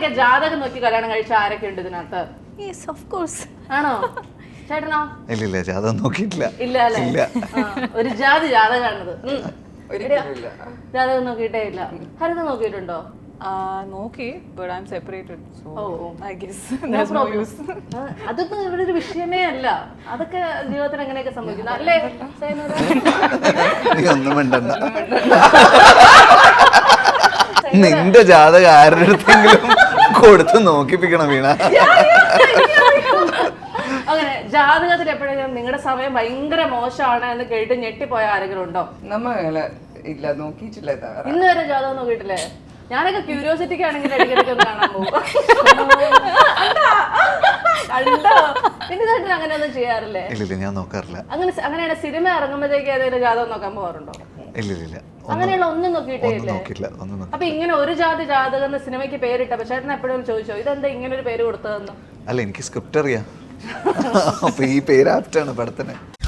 ജാതകം നോക്കി കല്യാണം കഴിച്ച ആരൊക്കെ ഉണ്ട് ഇതിനകത്ത്? Yes of course. ആണോ? ചേട്ടനോ? ഇല്ല ജാതകം നോക്കിയിട്ടില്ല. ഇല്ല അല്ലേ? ഒരു ജാതകാണത്. ജാതകം നോക്കിയിട്ടേ ഇല്ല. ഹരിത നോക്കിയിട്ടുണ്ടോ? നോക്കി, but I'm separated, so I guess No there's no problem. use. അതൊന്നും ഇവിടെ ഒരു വിഷയമേ അല്ല. അതൊക്കെ ജീവിതത്തിൽ എങ്ങനെയൊക്കെ സംഭവിക്കുന്നു അല്ലേ? നീ ഒന്നും മിണ്ടണ്ട. നിന്റെ ജാതകം ആരുടെ അടുത്തെങ്കിലും കൊടുത്ത് നോക്കിപ്പിക്കണം വീണ. അങ്ങനെ ജാതകത്തിൽ എപ്പോഴെങ്കിലും നിങ്ങളുടെ സമയം ഭയങ്കര മോശമാണ് എന്ന് കേട്ട് ഞെട്ടിപ്പോയ ആരെങ്കിലും ഉണ്ടോ? ഇല്ല, നോക്കിയിട്ടില്ല. ഇന്ന് വരെ ജാതകം നോക്കിയിട്ടില്ലേ? ഞാനൊക്കെ ക്യൂരിയോസിറ്റിക്ക് ആണെങ്കിൽ ഇടയ്ക്കിടയ്ക്ക് കാണാൻ പോകും. കണ്ടോ? പിന്നെ ചേട്ടൻ അങ്ങനെ ഒന്നും ചെയ്യാറില്ലേ? ഇല്ല ഞാൻ നോക്കാറില്ല. അങ്ങനെയാണ് സിനിമ ഇറങ്ങുമ്പോഴത്തേക്ക് ഏതെങ്കിലും ജാതകം നോക്കാൻ പോകാറുണ്ടോ? ഇല്ല അങ്ങനെയുള്ള ഒന്നും നോക്കിയിട്ടേ ഇല്ലേ? അപ്പൊ ഇങ്ങനെ ഒരു ജാതകം സിനിമയ്ക്ക് പേരിട്ടപ്പോ ചേട്ടൻ എപ്പോഴും ചോദിച്ചോ ഇതെന്താ ഇങ്ങനെ ഒരു പേര് കൊടുത്തതെന്ന്? അല്ല, എനിക്ക് സ്ക്രിപ്റ്റ് അറിയാം. അപ്പൊ ഈ പേര് ആപ്റ്റാണ് പടത്തിന്.